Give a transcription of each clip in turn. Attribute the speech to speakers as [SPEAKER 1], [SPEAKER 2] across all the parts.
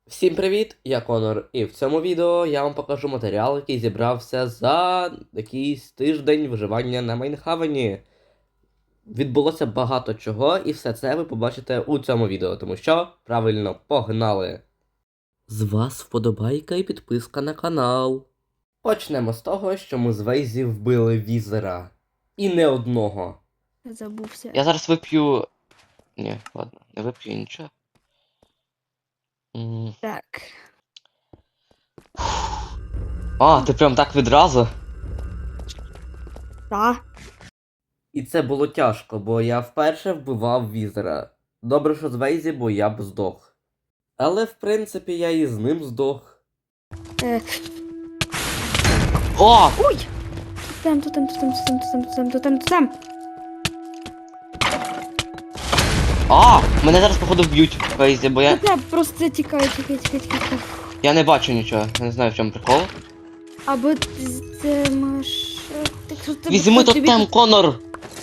[SPEAKER 1] Всім привіт, я Конор, і в цьому відео я вам покажу матеріал, який зібрався за якийсь тиждень виживання на Майнхавені. Відбулося багато чого, і все це ви побачите у цьому відео, тому що, правильно, погнали! З вас вподобайка і підписка на канал. Почнемо з того, що ми з Вейзі вбили візера. І не одного.
[SPEAKER 2] Забувся.
[SPEAKER 3] Я зараз вип'ю. Ні, ладно, не вип'ю нічого.
[SPEAKER 2] Так.
[SPEAKER 3] А, ти прям так відразу?
[SPEAKER 2] Та.
[SPEAKER 1] І це було тяжко, бо я вперше вбивав візера. Добре, що з Вейзі, бо я б здох. Але в принципі я і з ним здох.
[SPEAKER 3] О!
[SPEAKER 2] Ой! Тотем.
[SPEAKER 3] А! Мене зараз, походу, вб'ють в Фейзі, бо я.
[SPEAKER 2] Тотем, просто тікай.
[SPEAKER 3] Я не бачу нічого, я не знаю, в чому прикол.
[SPEAKER 2] Або ти можеш...
[SPEAKER 3] Візьми тотем, Конор!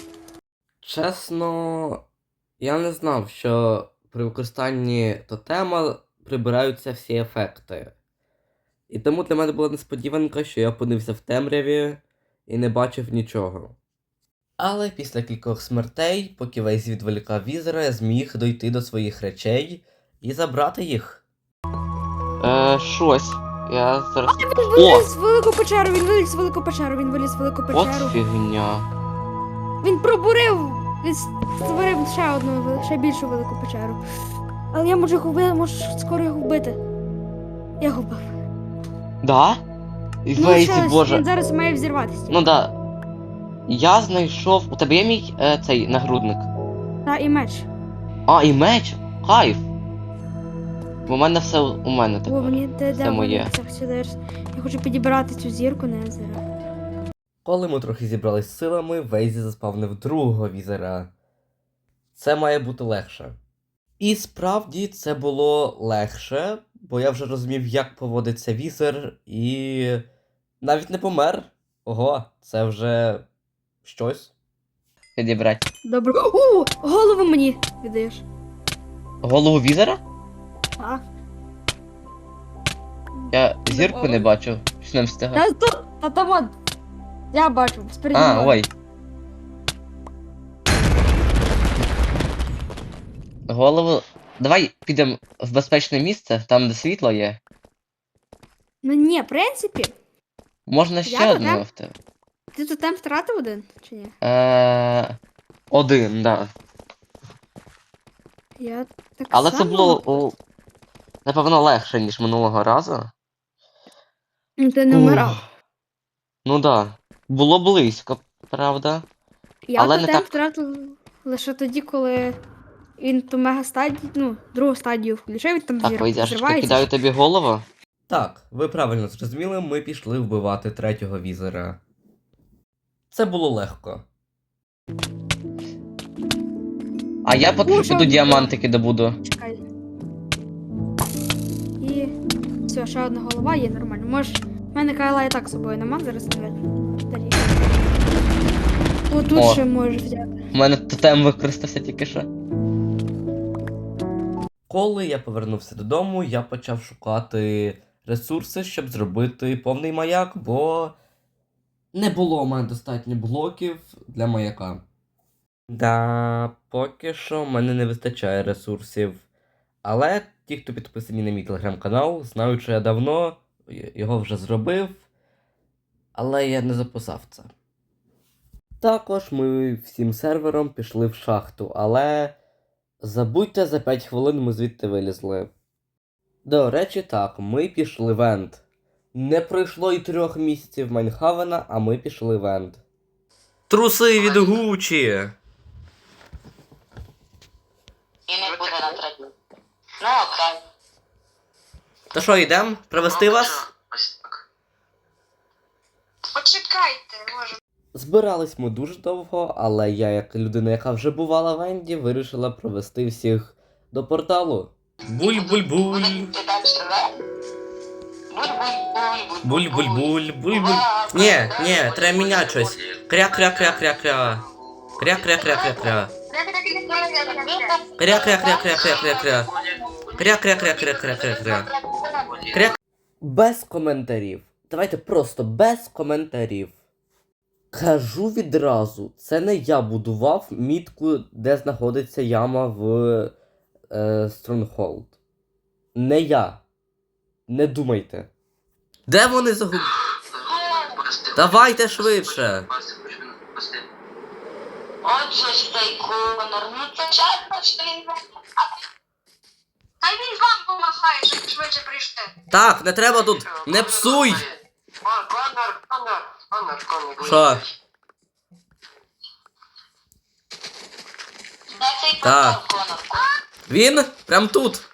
[SPEAKER 1] Чесно, я не знав, що при використанні тотема прибираються всі ефекти. І тому для мене була несподіванка, що я опинився в темряві і не бачив нічого. Але після кількох смертей, поки Вейз відволікав візера, я зміг дойти до своїх речей і забрати їх.
[SPEAKER 3] Щось. Я зараз.
[SPEAKER 2] Він виліз в велику печеру, він виліз в велику печеру.
[SPEAKER 3] От фігня.
[SPEAKER 2] Він пробурив, він створив ще більшу велику печеру. Але я можу скоро його вбити. Я його вбив.
[SPEAKER 3] Да? І Фейзі, боже.
[SPEAKER 2] Він зараз має взірватися.
[SPEAKER 3] Ну да. Я знайшов. У тебе є мій цей нагрудник?
[SPEAKER 2] Та і меч.
[SPEAKER 3] А, і меч? Кайф! Бо в мене все у мене
[SPEAKER 2] О,
[SPEAKER 3] тепер.
[SPEAKER 2] мені
[SPEAKER 3] Все моє.
[SPEAKER 2] Я хочу підібрати цю зірку Незера.
[SPEAKER 1] Коли ми трохи зібрались силами, Вейзі заспавнив другого візера. Це має бути легше. І справді це було легше, бо я вже розумів, як поводиться візер, і навіть не помер. Ого, це вже щось.
[SPEAKER 3] Підібрати.
[SPEAKER 2] Добре. О, голову мені віддаєш.
[SPEAKER 3] Голову візера?
[SPEAKER 2] А?
[SPEAKER 3] Я зірку не бачив, що не встигав.
[SPEAKER 2] Та там от. Я бачу, спереді.
[SPEAKER 3] А, ой. Голову. Давай підемо в безпечне місце, там де світло є.
[SPEAKER 2] Ну ні, в принципі.
[SPEAKER 3] Можна ще
[SPEAKER 2] Я
[SPEAKER 3] одного
[SPEAKER 2] туди?
[SPEAKER 3] в тебе.
[SPEAKER 2] Ти тут там втратив один, чи ні?
[SPEAKER 3] Один, да.
[SPEAKER 2] Я так
[SPEAKER 3] Але
[SPEAKER 2] само.
[SPEAKER 3] це було, напевно, легше, ніж минулого разу.
[SPEAKER 2] Ну, ти не вмирав.
[SPEAKER 3] Ну да. Було близько, правда.
[SPEAKER 2] Я
[SPEAKER 3] але не
[SPEAKER 2] тотем
[SPEAKER 3] так.
[SPEAKER 2] втратив лише тоді, коли він ту мега-стадію, другу стадію включив, він там
[SPEAKER 3] Так, Вейзяшечка,
[SPEAKER 2] взривається.
[SPEAKER 3] кидаю тобі голову.
[SPEAKER 1] Так, ви правильно зрозуміли, ми пішли вбивати третього візера. Це було легко.
[SPEAKER 3] А я поки що
[SPEAKER 2] Що
[SPEAKER 3] піду
[SPEAKER 2] було?
[SPEAKER 3] діамантики добуду.
[SPEAKER 2] Чекай. І все, ще одна голова є нормально. Можеш. У мене Кайла і так з собою нема, зараз не далі. Отут
[SPEAKER 3] О.
[SPEAKER 2] ще можеш взяти.
[SPEAKER 3] У мене тотем використався тільки що.
[SPEAKER 1] Коли я повернувся додому, я почав шукати ресурси, щоб зробити повний маяк, бо не було у мене достатньо блоків для маяка. Да, поки що в мене не вистачає ресурсів. Але ті, хто підписані на мій телеграм-канал, знають, що я давно його вже зробив, але я не записав це. Також ми всім сервером пішли в шахту, але забудьте, за 5 хвилин ми звідти вилізли. До речі, так, ми пішли в Енд. Не пройшло й 3 місяців Майнхавена, а ми пішли в Енд. Труси від Гучі!
[SPEAKER 4] І не буде на третій. Ну, окей.
[SPEAKER 1] Та що, йдем? Провести вас?
[SPEAKER 4] Ось так. Почекайте, може.
[SPEAKER 1] Збирались ми дуже довго, але я, як людина, яка вже бувала в Енді, вирішила провести всіх до порталу. Буль-буль-буль!
[SPEAKER 4] Ти далі живе?
[SPEAKER 1] Буль-буль-буль, буль-буль. Ні, треба міняти щось. Кря-кря-кря-кря-кря. Кря-кря-кря-кря-кря. Кря-кря-кря-кря-кря-кря. Кря-кря-кря-кря-кря-кря-кря. Кря. Без коментарів. Давайте просто без коментарів. Кажу відразу, це не я будував мітку, де знаходиться яма в Stronghold. Не я. Не думайте. Де вони загубили? Давайте швидше.
[SPEAKER 4] Отже ж цей Конор, ну це чесно, що він... Хай він вам помахає, щоб швидше прийшли.
[SPEAKER 1] Так, не треба тут. Не псуй!
[SPEAKER 5] Конор.
[SPEAKER 1] Що?
[SPEAKER 4] Де цей
[SPEAKER 1] Так.
[SPEAKER 4] Конор?
[SPEAKER 1] Він? Прям тут.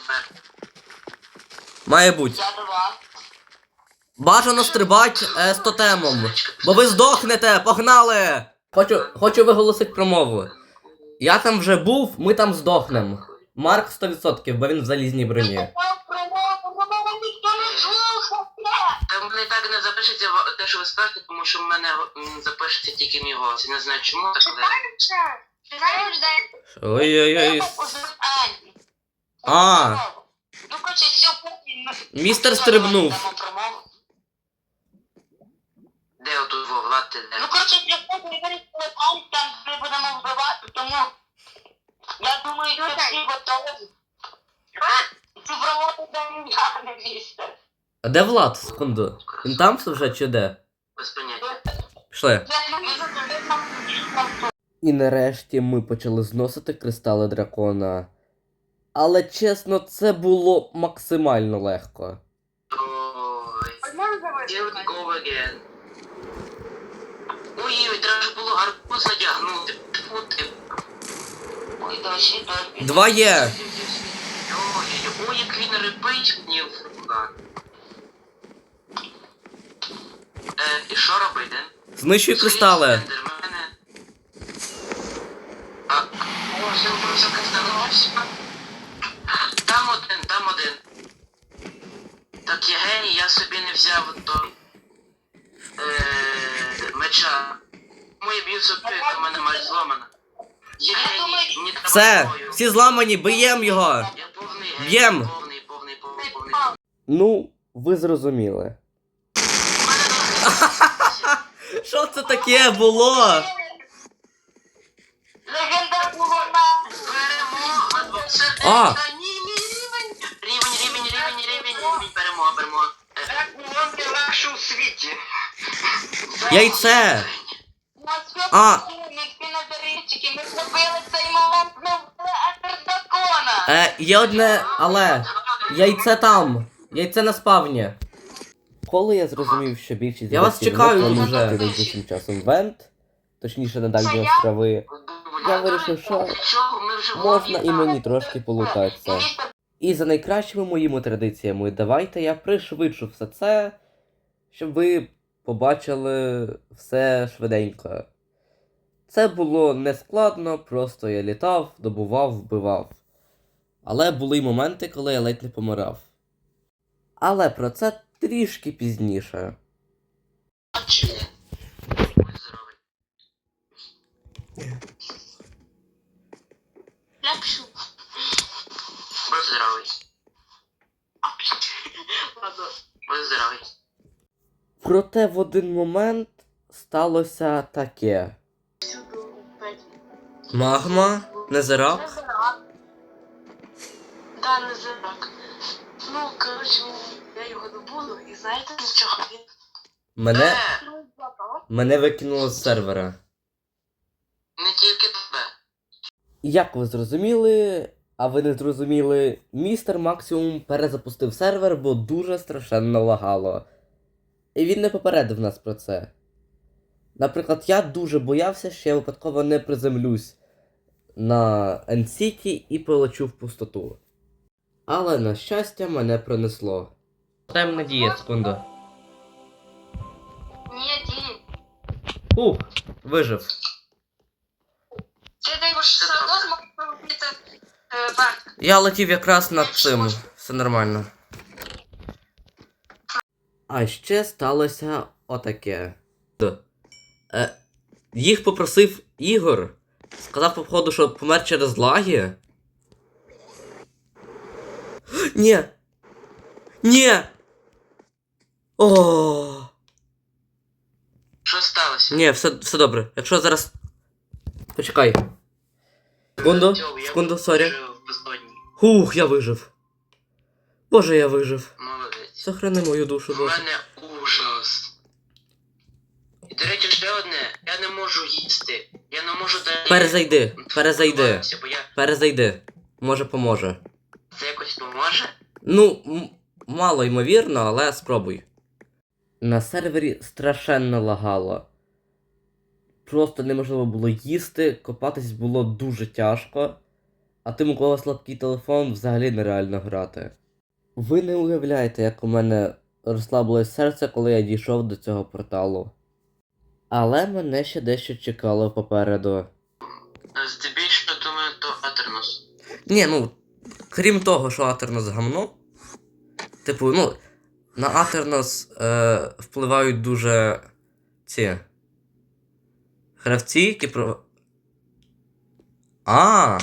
[SPEAKER 1] Має бути.
[SPEAKER 4] Я до вас.
[SPEAKER 1] Бажано стрибать з тотемом. Бо ви здохнете, погнали! Хочу виголосити промову. Я там вже був, ми там здохнем. Марк 100%, бо він в залізній броні.
[SPEAKER 4] Ніхто не слухає.
[SPEAKER 5] Там не так не запишеться те, що ви скажете, тому що в мене запишеться тільки мій голос. Я не знаю чому, так але...
[SPEAKER 1] Ой-ой-ой. А.
[SPEAKER 4] Ну, коротше, сьогодні ми...
[SPEAKER 1] Містер стрибнув.
[SPEAKER 4] Дамо промову.
[SPEAKER 5] Де отут Влад, ти де?
[SPEAKER 4] Ну, коротше, сьогодні ми вирішили там ми будемо вбивати, тому... Я думаю, що всі готові. Цю промову дам я, не містер.
[SPEAKER 1] А де Влад? Секунду. Він там вже чи де?
[SPEAKER 5] Без поняття.
[SPEAKER 1] Пішли. І нарешті ми почали зносити кристали дракона. Але чесно, це було максимально легко.
[SPEAKER 5] Ой. Here we go again. Ой, треба ж було гарбуз надягнути. Тьфу ти.
[SPEAKER 4] Ой, дощі.
[SPEAKER 1] 2 є.
[SPEAKER 5] Ой, як він репить мені в руках. І що робити?
[SPEAKER 1] Знищуй кристали.
[SPEAKER 5] Ендермени. О, все, просто кристали. Там один. Так, я геній, я собі не взяв до меча. Моє б'ю сопілка, в мене мать зломана. Я геній, мені треба
[SPEAKER 1] Все,
[SPEAKER 5] зброю.
[SPEAKER 1] всі зламані, б'єм його.
[SPEAKER 5] Я повний геній,
[SPEAKER 1] Б'єм.
[SPEAKER 5] повний.
[SPEAKER 1] Ну, ви зрозуміли. Що це таке було?
[SPEAKER 4] Легендарна вона.
[SPEAKER 5] Перемога!
[SPEAKER 1] А.
[SPEAKER 5] Ні, рівень, перемога. Це легше у світі.
[SPEAKER 1] Яйце. А.
[SPEAKER 4] А. Всі назарівчики, ми зробили цей момент, ми вбили Ендердракона.
[SPEAKER 1] Є одне, але. Яйце там. Яйце на спавні. Коли я зрозумів, що більшість
[SPEAKER 2] Я вас чекаю тут
[SPEAKER 1] вже
[SPEAKER 2] уже.
[SPEAKER 1] найближчим часом вент, точніше на дальні острови, я вирішив, що можна і мені трошки полутатися. І за найкращими моїми традиціями, давайте я пришвидшу все це, щоб ви побачили все швиденько. Це було нескладно, просто я літав, добував, вбивав. Але були й моменти, коли я ледь не помирав. Але про це трішки пізніше.
[SPEAKER 4] Ляпшу.
[SPEAKER 5] Будь здоровий.
[SPEAKER 4] Ладно.
[SPEAKER 5] Будь здоровий.
[SPEAKER 1] Проте в один момент сталося таке. Магма? Незерак?
[SPEAKER 6] Да, не зирак. Ну, коротше, я його добуду, і знаєте, для чого він?
[SPEAKER 1] Мене викинуло з сервера.
[SPEAKER 5] Не тільки тебе.
[SPEAKER 1] Як ви зрозуміли, а ви не зрозуміли, містер Максимум перезапустив сервер, бо дуже страшенно лагало. І він не попередив нас про це. Наприклад, я дуже боявся, що я випадково не приземлюсь на End-City і полечу в пустоту. Але, на щастя, мене пронесло. Даємо надія, секунду.
[SPEAKER 4] Ні, ні.
[SPEAKER 1] Ух, вижив.
[SPEAKER 4] Ти також все одно зможеш робити варт.
[SPEAKER 1] Я летів якраз над цим. Все нормально. А ще сталося отаке. Їх попросив Ігор. Сказав, походу, що помер через лаги. Ні! Ні! О!
[SPEAKER 5] Що сталося?
[SPEAKER 1] Ні, все добре. Якщо зараз. Почекай. Секунду,
[SPEAKER 5] Тьом, я
[SPEAKER 1] секунду, сорі.
[SPEAKER 5] вижив в безодні.
[SPEAKER 1] Хух, я вижив. Боже, я вижив.
[SPEAKER 5] Молодець.
[SPEAKER 1] Сохрани мою душу,
[SPEAKER 5] У
[SPEAKER 1] Боже.
[SPEAKER 5] мене ужас. І, до речі, ще одне. Я не можу їсти. Я не можу далі...
[SPEAKER 1] Перезайди.
[SPEAKER 5] Бо я...
[SPEAKER 1] Перезайди. Може поможе.
[SPEAKER 5] Це якось поможе?
[SPEAKER 1] Ну, мало ймовірно, але спробуй. На сервері страшенно лагало. Просто неможливо було їсти, копатись було дуже тяжко, а тим, у кого слабкий телефон, взагалі нереально грати. Ви не уявляєте, як у мене розслабилось серце, коли я дійшов до цього порталу. Але мене ще дещо чекало попереду.
[SPEAKER 5] Здебільшого, думаю, то Атернус.
[SPEAKER 1] Ні, ну, крім того, що Атернос гамно, типу, ну, на Атернос впливають дуже ці гравці, які про. А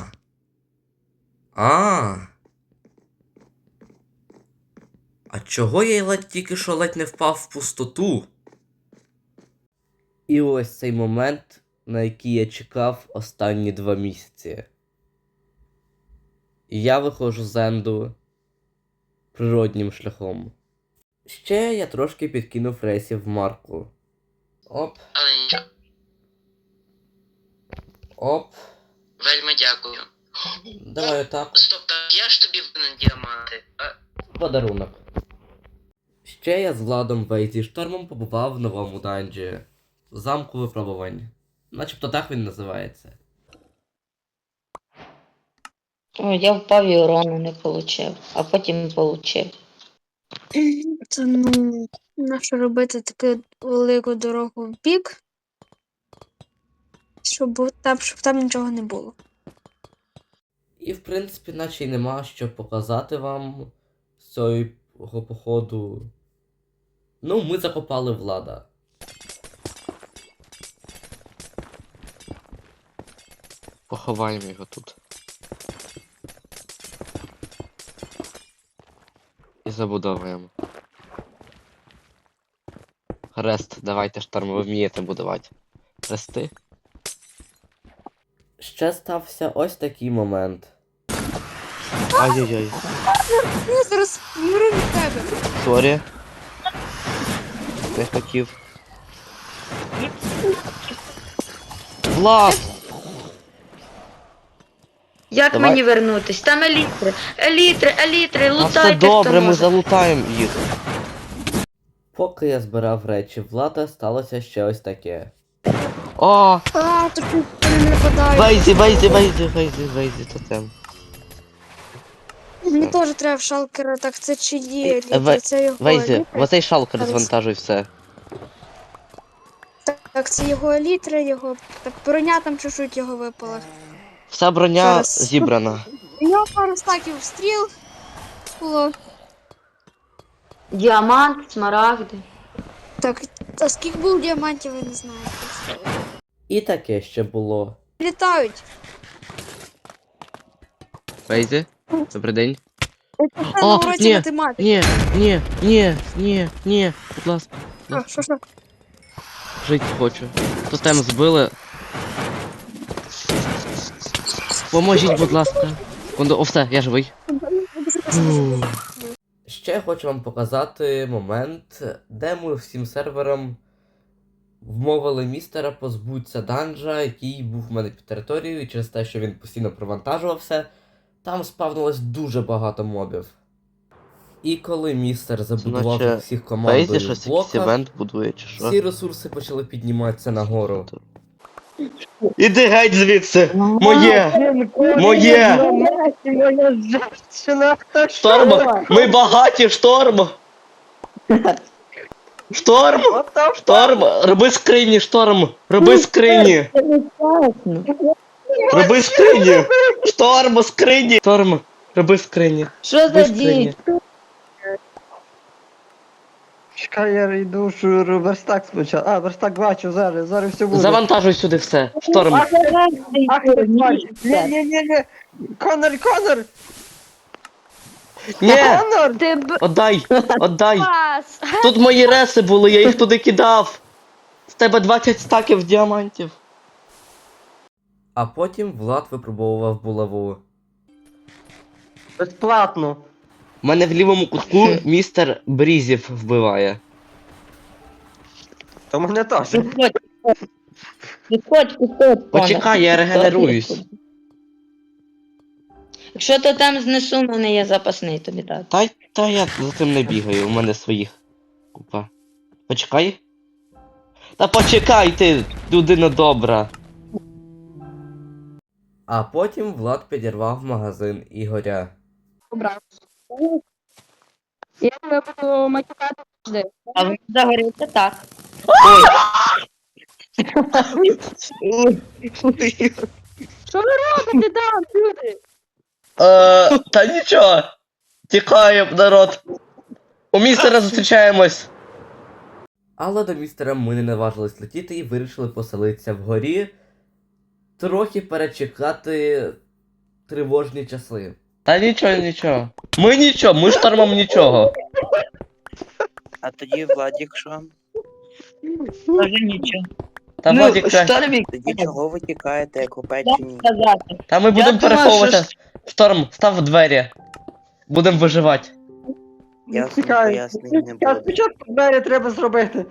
[SPEAKER 1] чого я тільки що ледь не впав в пустоту? І ось цей момент, на який я чекав останні 2 місяці. І я виходжу з Енду природнім шляхом. Ще я трошки підкинув рейсів в Марку. Оп,
[SPEAKER 5] Але нічого.
[SPEAKER 1] оп.
[SPEAKER 5] Вельми дякую.
[SPEAKER 1] Давай отак.
[SPEAKER 5] Стоп, так я ж тобі винен діаманти.
[SPEAKER 1] Подарунок. Ще я з Владом Вейзі Штормом побував в новому данжі. Замку випробувань. Начебто так він називається.
[SPEAKER 7] О, я впав і урону не получив, а потім получив.
[SPEAKER 2] Це ну, нащо робити таку велику дорогу в бік, щоб там нічого не було.
[SPEAKER 1] І в принципі, наче й нема що показати вам з цього походу. Ну, ми закопали Влада.
[SPEAKER 3] Поховаємо його тут. І забудовуємо. Хрест, давайте шторм, ви вмієте будувати. Хрести?
[SPEAKER 1] Ще стався ось такий момент.
[SPEAKER 3] Ай-яй-яй.
[SPEAKER 2] Я зараз вмру від тебе.
[SPEAKER 3] Сорі. Не хотів. Влад!
[SPEAKER 7] Як
[SPEAKER 3] Давай.
[SPEAKER 7] мені вернутись? Там елітри, елітри,
[SPEAKER 3] А все
[SPEAKER 7] лутайте,
[SPEAKER 3] добре,
[SPEAKER 7] хто
[SPEAKER 3] ми
[SPEAKER 7] може.
[SPEAKER 3] залутаємо їх.
[SPEAKER 1] Поки я збирав речі Влада, сталося ще ось таке.
[SPEAKER 3] О!
[SPEAKER 2] А, то чуть не нападають.
[SPEAKER 3] Вейзі, тотем.
[SPEAKER 2] Мені теж треба в шалкера, так це чи є
[SPEAKER 3] Ве-
[SPEAKER 2] літер, це його
[SPEAKER 3] Вейзі,
[SPEAKER 2] елітри.
[SPEAKER 3] в оцей шалкер
[SPEAKER 2] Зараз.
[SPEAKER 3] звантажуй все.
[SPEAKER 2] Так, це його елітри, його. Так, броня там чуть-чуть його випала.
[SPEAKER 3] Вся броня
[SPEAKER 2] Зараз.
[SPEAKER 3] зібрана.
[SPEAKER 2] У нього пару стаків стріл було.
[SPEAKER 7] Діамант, смарагди.
[SPEAKER 2] Так, а скільки було діамантів, я не знаю.
[SPEAKER 1] І таке ще було.
[SPEAKER 2] Літають.
[SPEAKER 3] Вейзі, добрий день.
[SPEAKER 2] Це на уроці
[SPEAKER 3] ні,
[SPEAKER 2] математики.
[SPEAKER 3] ні, будь ласка.
[SPEAKER 2] Що?
[SPEAKER 3] Жити хочу. Тотем збили. Поможіть, будь ласка. Секунду, о, все, я живий.
[SPEAKER 1] Ще хочу вам показати момент, де ми всім серверам вмовили містера позбутися данжа, який був в мене під територією, і через те, що він постійно провантажувався, там спавнилось дуже багато мобів. І коли містер забудував
[SPEAKER 3] Значить,
[SPEAKER 1] всіх
[SPEAKER 3] Вейзі
[SPEAKER 1] командою
[SPEAKER 3] щось
[SPEAKER 1] в
[SPEAKER 3] якийсь
[SPEAKER 1] блоках,
[SPEAKER 3] івент будує, чи що?
[SPEAKER 1] всі ресурси почали підніматися нагору.
[SPEAKER 3] Іди геть звідси! Моє! Моє! Шторм! Ми багаті, шторм! Шторм! Шторм! Роби скрині, шторм! Роби скрині! Роби скрині! Шторм, скрині! Шторм! Роби скрині!
[SPEAKER 7] Що
[SPEAKER 3] Роби
[SPEAKER 7] за
[SPEAKER 3] скрині!
[SPEAKER 7] дід?
[SPEAKER 8] Чекай, я йду верстак спочатку. А, верстак бачу, зараз все буде.
[SPEAKER 3] Завантажуй сюди все! Шторм!
[SPEAKER 8] Ах, ні. Конор!
[SPEAKER 3] Ні!
[SPEAKER 8] Норм.
[SPEAKER 2] Ти б
[SPEAKER 3] Отдай! Отдай!
[SPEAKER 2] пас.
[SPEAKER 3] Тут мої реси були, я їх туди кидав! З тебе 20 стаків діамантів.
[SPEAKER 1] А потім Влад випробовував булаву.
[SPEAKER 8] Безплатно.
[SPEAKER 3] У мене в лівому кутку містер Брізів вбиває.
[SPEAKER 8] То мене теж.
[SPEAKER 7] Підходь,
[SPEAKER 3] Почекай, я регенеруюсь.
[SPEAKER 7] Якщо ти там знесу, в мене є запасний тобі дати.
[SPEAKER 3] Та я за цим не бігаю, у мене своїх купа. Почекай. Та почекай ти, людина добра.
[SPEAKER 1] А потім Влад підірвав магазин Ігоря.
[SPEAKER 2] Я тебе буду матюкати завжди.
[SPEAKER 7] А ви загоріться так.
[SPEAKER 2] Що ви робите там, люди?
[SPEAKER 3] Та нічого. Тікаємо, народ. У містера зустрічаємось.
[SPEAKER 1] Але до містера ми не наважились летіти і вирішили поселитися вгорі, трохи перечекати тривожні часи.
[SPEAKER 3] Та нічого. Ми штормом нічого.
[SPEAKER 9] А тоді Владік що?
[SPEAKER 7] Може нічого.
[SPEAKER 3] Та Владік,
[SPEAKER 7] Штормік,
[SPEAKER 9] Тоді чого ви тікаєте, як у
[SPEAKER 7] як
[SPEAKER 9] печені?
[SPEAKER 7] сказати.
[SPEAKER 3] та ми будемо
[SPEAKER 7] думаю,
[SPEAKER 3] переховуватися.
[SPEAKER 7] що
[SPEAKER 3] Шторм, став двері. Будемо виживати.
[SPEAKER 9] Ясно,
[SPEAKER 8] Чекай.
[SPEAKER 9] пояснень не
[SPEAKER 8] Я
[SPEAKER 9] буде.
[SPEAKER 8] спочатку двері треба зробити.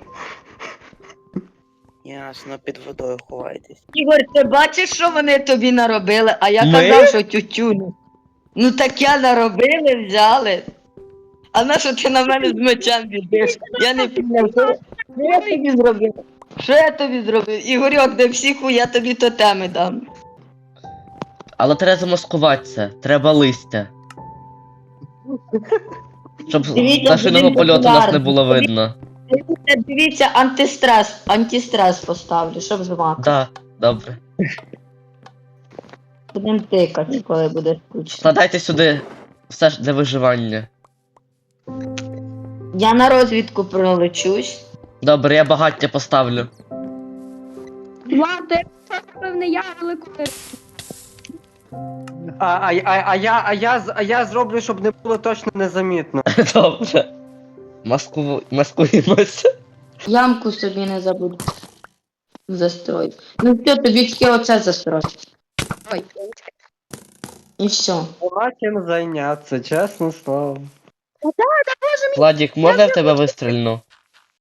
[SPEAKER 9] Ясно, під водою ховайтесь.
[SPEAKER 7] Ігор, ти бачиш, що вони тобі наробили? А я
[SPEAKER 3] Ми?
[SPEAKER 7] казав, що тютюню. Ну так я наробили, взяли. А на що ти на мене з мечем біжиш? Я не пізнав. Що я тобі зробив? Що я тобі зробив? Ігорьок, де психу, я тобі тотеми дам.
[SPEAKER 3] Але треба замаскуватися, треба листя. Щоб
[SPEAKER 7] Дивіться,
[SPEAKER 3] пташиного
[SPEAKER 7] будемо
[SPEAKER 3] польоту нас не
[SPEAKER 7] популярні.
[SPEAKER 3] було видно.
[SPEAKER 7] Дивіться, антистрес поставлю, щоб змати.
[SPEAKER 3] Да, добре.
[SPEAKER 7] Будемо тикати, коли буде скучно.
[SPEAKER 3] Складайте сюди все ж для виживання.
[SPEAKER 7] Я на розвідку пролечусь.
[SPEAKER 3] Добре, я багаття поставлю.
[SPEAKER 2] Влад, ти певне, я велику.
[SPEAKER 8] А я зроблю, щоб не було точно незамітно.
[SPEAKER 3] Добре. Маскуємося.
[SPEAKER 7] Ямку собі не забуду. Застрой. Ну все, тобі тільки оце застрой.
[SPEAKER 2] Ой.
[SPEAKER 7] І все.
[SPEAKER 8] Нема чим зайнятися, чесно слово.
[SPEAKER 3] Владік, можна я в тебе вистрільну?